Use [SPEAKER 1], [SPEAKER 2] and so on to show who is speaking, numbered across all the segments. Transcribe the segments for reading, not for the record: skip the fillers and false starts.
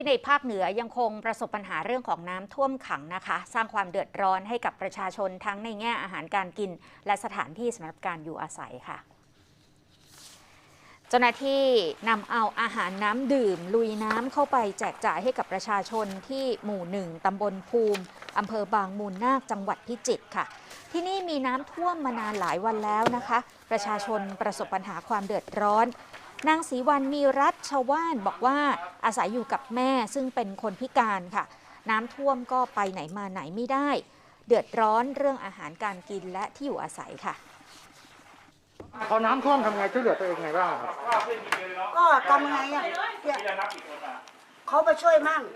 [SPEAKER 1] ในภาคเหนือยังคงประสบปัญหาเรื่องของน้ำท่วมขังนะคะสร้างความเดือดร้อนให้กับประชาชนทั้งในแง่อาหารการกินและสถานที่สำหรับการอยู่อาศัยค่ะเจ้าหน้าที่นำเอาอาหารน้ำดื่มลุยน้ำเข้าไปแจกจ่ายให้กับประชาชนที่หมู่ 1 ตำบลภูมิอำเภอบางมูลนาคจังหวัดพิจิตรค่ะที่นี่มีน้ำท่วมมานานหลายวันแล้วนะคะประชาชนประสบปัญหาความเดือดร้อนนางศรีวรรณมีรัฐชาวบ้านบอกว่าอาศัยอยู่กับแม่ซึ่งเป็นคนพิการค่ะน้ำท่วมก็ไปไหนมาไหนไม่ได้เดือดร้อนเรื่องอาหารการกินและที่อยู่อาศัยค่ะ
[SPEAKER 2] พอน้ำท่วมทำไงช่วยเหลือตัวเองไงบ้างครับ
[SPEAKER 3] ก็ทำไงอ่ะเขาไปช่วยมั่ง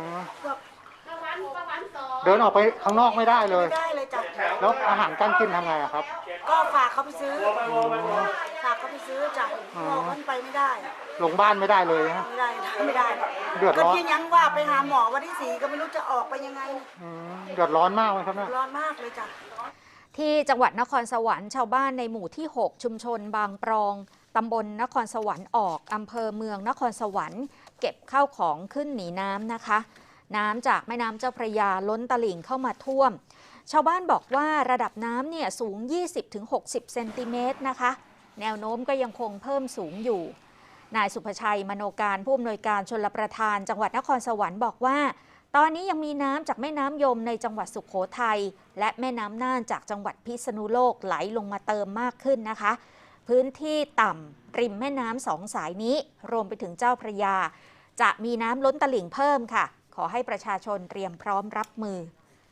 [SPEAKER 2] เดินออกไปข้างนอกไม่ได้เลย
[SPEAKER 3] ไม่ได้เลยจ้ะ
[SPEAKER 2] แล้วอาหารการกินทำไงครับ
[SPEAKER 3] ก็ฝากเขาไปซื้อฝากเขาไปซื้อจ้ะพอขึ้นไปไม่ได้
[SPEAKER 2] ลงบ้านไม่ได้เลยฮะ
[SPEAKER 3] ไม่ได้
[SPEAKER 2] เดือดร้อน
[SPEAKER 3] ก็ยังว่าไปหาหมอวันที่4ก็ไม่รู้จะออกไปยังไง
[SPEAKER 2] เดือดร้อนมากเลยครับเนี่ย
[SPEAKER 3] ร้อนมากเลยจ้ะ
[SPEAKER 1] ที่จังหวัดนครสวรรค์ชาวบ้านในหมู่ที่ 6 ชุมชนบางปรองตำบลนครสวรรค์ออกอำเภอเมืองนครสวรรค์เก็บข้าวของขึ้นหนีน้ำนะคะน้ำจากแม่น้ำเจ้าพระยาล้นตลิ่งเข้ามาท่วมชาวบ้านบอกว่าระดับน้ำเนี่ยสูง 20-60 เซนติเมตรนะคะแนวโน้มก็ยังคงเพิ่มสูงอยู่นายสุภชัยมโนการผู้อำนวยการชลประทานจังหวัดนครสวรรค์บอกว่าตอนนี้ยังมีน้ำจากแม่น้ำยมในจังหวัดสุโขทัยและแม่น้ำน่านจากจังหวัดพิษณุโลกไหลลงมาเติมมากขึ้นนะคะพื้นที่ต่ำริมแม่น้ำ2 สายนี้รวมไปถึงเจ้าพระยาจะมีน้ำล้นตลิ่งเพิ่มค่ะขอให้ประชาชนเตรียมพร้อมรับมือ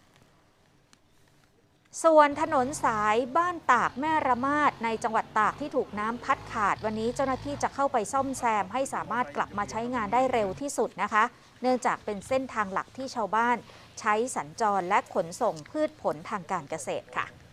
[SPEAKER 1] ส่วนถนนสายบ้านตากแม่ระมาดในจังหวัดตากที่ถูกน้ำพัดขาดวันนี้เจ้าหน้าที่จะเข้าไปซ่อมแซมให้สามารถกลับมาใช้งานได้เร็วที่สุดนะคะเนื่องจากเป็นเส้นทางหลักที่ชาวบ้านใช้สัญจรและขนส่งพืชผลทางการเกษตรค่ะ